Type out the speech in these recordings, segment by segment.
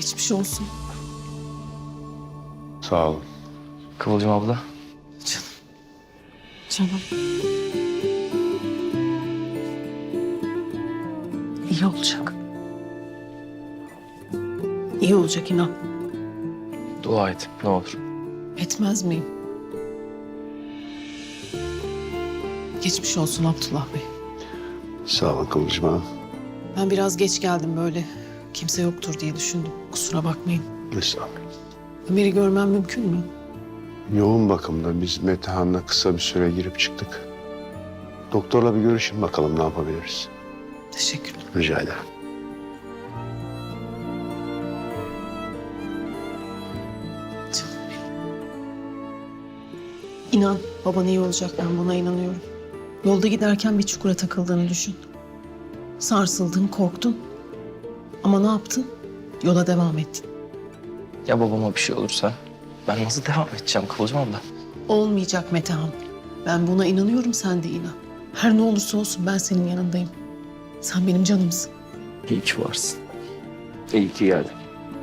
Geçmiş olsun. Sağ olun. Kıvılcım abla. Canım. Canım. İyi olacak. İyi olacak inan. Dua et ne olur. Etmez miyim? Geçmiş olsun Abdullah Bey. Sağ olun Kıvılcım Hanım. Ben biraz geç geldim böyle. Kimse yoktur diye düşündüm. Kusura bakmayın. Estağfurullah. Ömer'i görmem mümkün mü? Yoğun bakımda biz Metehan'la kısa bir süre girip çıktık. Doktorla bir görüşün bakalım ne yapabiliriz. Teşekkürler. Rica ederim. Canım benim. İnan baban iyi olacak, ben buna inanıyorum. Yolda giderken bir çukura takıldığını düşün. Sarsıldın, korktun. Ama ne yaptın? Yola devam ettin. Ya babama bir şey olursa ben nasıl devam edeceğim Kıvılcım abla? Olmayacak Metehan. Ben buna inanıyorum, sen de inan. Her ne olursa olsun ben senin yanındayım. Sen benim canımsın. İyi ki varsın. İyi ki geldin.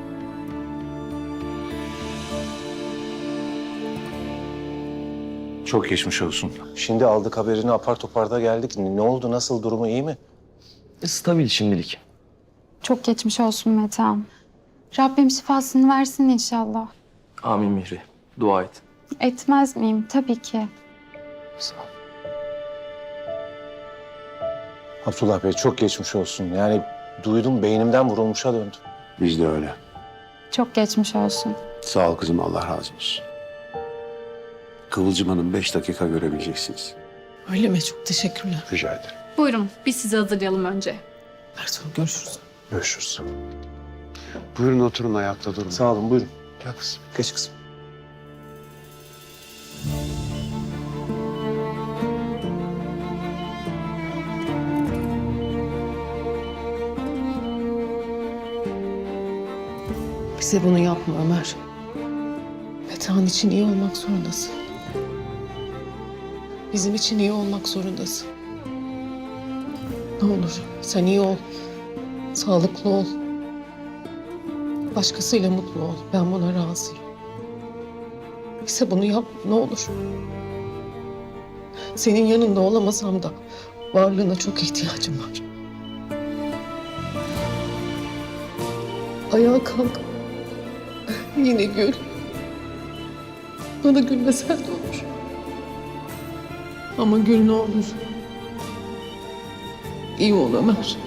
Çok geçmiş olsun. Şimdi aldık haberini apar topar da geldik. Ne oldu? Nasıl? Durumu iyi mi? Stabil şimdilik. Çok geçmiş olsun Metehan. Rabbim şifasını versin inşallah. Amin Mihri. Dua et. Etmez miyim? Tabii ki. Sağ ol. Abdullah Bey çok geçmiş olsun. Yani duydum beynimden vurulmuşa döndüm. Biz de öyle. Çok geçmiş olsun. Sağ ol kızım, Allah razı olsun. Kıvılcım Hanım 5 dakika görebileceksiniz. Öyle mi? Çok teşekkürler. Rica ederim. Buyurun, biz sizi hazırlayalım önce. Ertuğrul görüşürüz. Görüşürüz. Buyurun oturun, ayakta durun. Sağ olun buyurun. Gel kızım. Geç kızım. Bize bunu yapma Ömer. Metehan için iyi olmak zorundasın. Bizim için iyi olmak zorundasın. Ne olur sen iyi ol. Sağlıklı ol. Başkasıyla mutlu ol. Ben buna razıyım. Bize bunu yap ne olur. Senin yanında olamasam da varlığına çok ihtiyacım var. Ayağa kalk. Yine gül. Bana gülmesen de olur. Ama gül ne olur. İyi ol Ömer.